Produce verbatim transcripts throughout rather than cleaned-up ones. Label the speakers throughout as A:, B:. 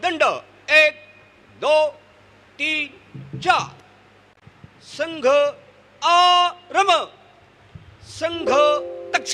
A: दंड। एक दो तीन चार। संघ आरम। संघ तक्ष।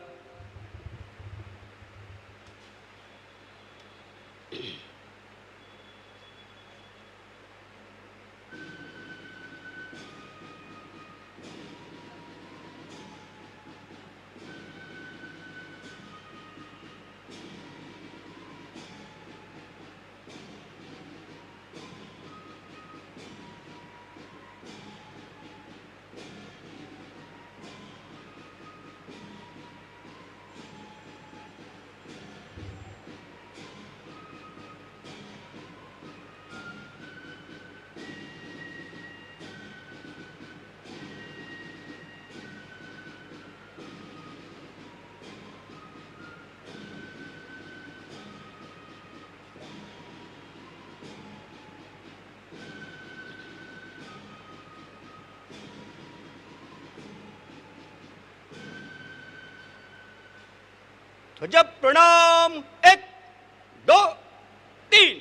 A: ध्वज प्रणाम। एक दो तीन।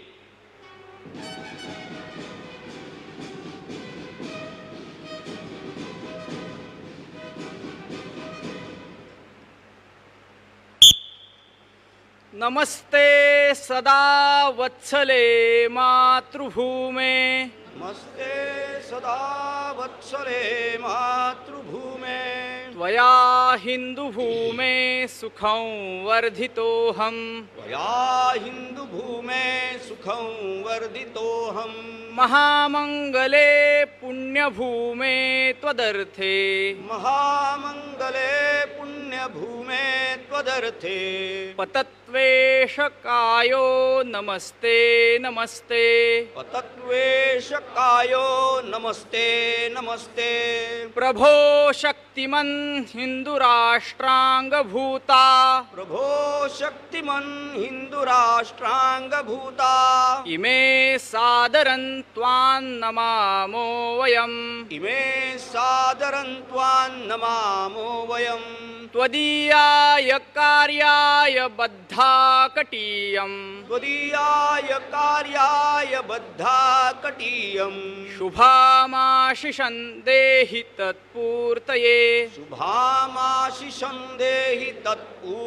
B: नमस्ते सदा वत्सले मातृभूमे।
A: नमस्ते सदा वत्सले मातृभूमे।
B: त्वया हिन्दुभूमे सुखं वर्धितोऽहम्।
A: त्वया हिन्दुभूमे सुखं वर्धितोऽहम्।
B: महामङ्गले पुण्यभूमे त्वदर्थे।
A: महामङ्गले पुण्यभूमे त्वदर्थे।
B: पतत्वेशकायो नमस्ते नमस्ते।
A: पतत्वेशकायो नमस्ते नमस्ते।
B: प्रभो शक्तिमन् हिन्दुराष्ट्राङ्गभूता।
A: प्रभो शक्तिमन् हिन्दुराष्ट्राङ्गभूता।
B: इमे सादरन् त्वां नमामो वयम्।
A: इमे सादरन् त्वां नमामो वयम्।
B: त्वदीयाय कार्याय बद्धाकटीयम्।
A: त्वदीयाय कार्याय बद्धाकटीयम्।
B: शुभामाशिषं देहि तत्पूर्तये।
A: शुभामाशिषं देहि तत्पूर्तये।